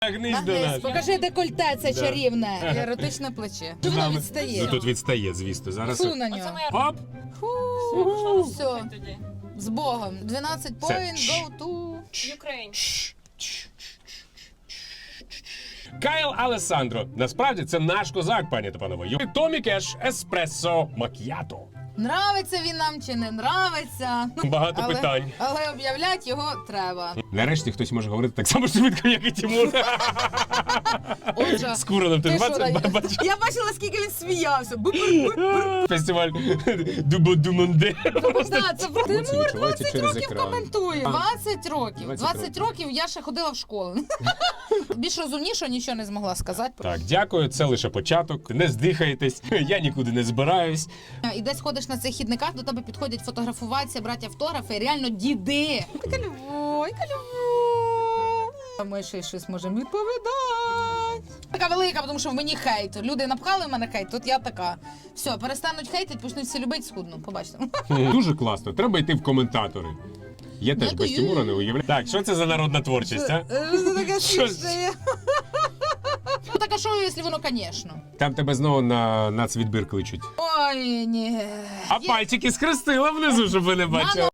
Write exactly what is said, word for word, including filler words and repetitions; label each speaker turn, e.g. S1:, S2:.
S1: Нагнись до нас.
S2: Покажи декольте, це
S1: Да.
S2: чарівне. Еротичне плече. Чи воно відстає?
S1: Ну тут відстає, звісно. Зараз.
S2: Фу на нього.
S1: Оп!
S2: Фу, все. З Богом. дванадцять
S1: Це-
S2: point, go to...
S3: Ukraine.
S1: Кайл Алесандро. Насправді це наш козак, пані та панове. Томі Кеш Еспресо Мак'ято.
S2: Нравиться він нам чи не нравиться.
S1: Багато
S2: але,
S1: питань.
S2: Але об'являти його треба.
S1: Нарешті хтось може говорити так само швидко, як і Тимур.
S2: Отже,
S1: З Куроном. Ти
S2: ти що,
S1: двадцять
S2: Даня?
S1: бачиш?
S2: Я бачила, скільки він сміявся. Бу-бу-бу.
S1: Фестиваль Дубо-Думонде.
S2: Да, це про Тимур
S1: відчувається
S2: двадцять
S1: через
S2: років
S1: екран.
S2: коментує. двадцять років.
S1: двадцять
S2: двадцять років я ще ходила в школу. Більш розумніше нічого не змогла сказати.
S1: Так, дякую, це лише початок. Не здихайтесь, я нікуди не збираюсь.
S2: І десь ходиш на цих хідниках, до тебе підходять фотографуватися, брати автографи, і реально діди. Яка любов, яка любов. А ми ще й щось можемо відповідати. Така велика, тому що в мені хейт. Люди напхали в мене хейт, тут я така. Все, перестануть хейтити, почнуть всі любити, схудну. Побачите.
S1: Дуже класно, треба йти в коментатори. Я теж без
S2: Дякую.
S1: Тимура не уявляю. Так, що це за народна творчість, а?
S2: Це таке
S1: Що?
S2: смішне. Ну таке шоу, якщо воно, звісно.
S1: Там тебе знову на нацвідбір кличуть.
S2: Ой, ні.
S1: А пальчики скрестила внизу, щоб ви не бачили.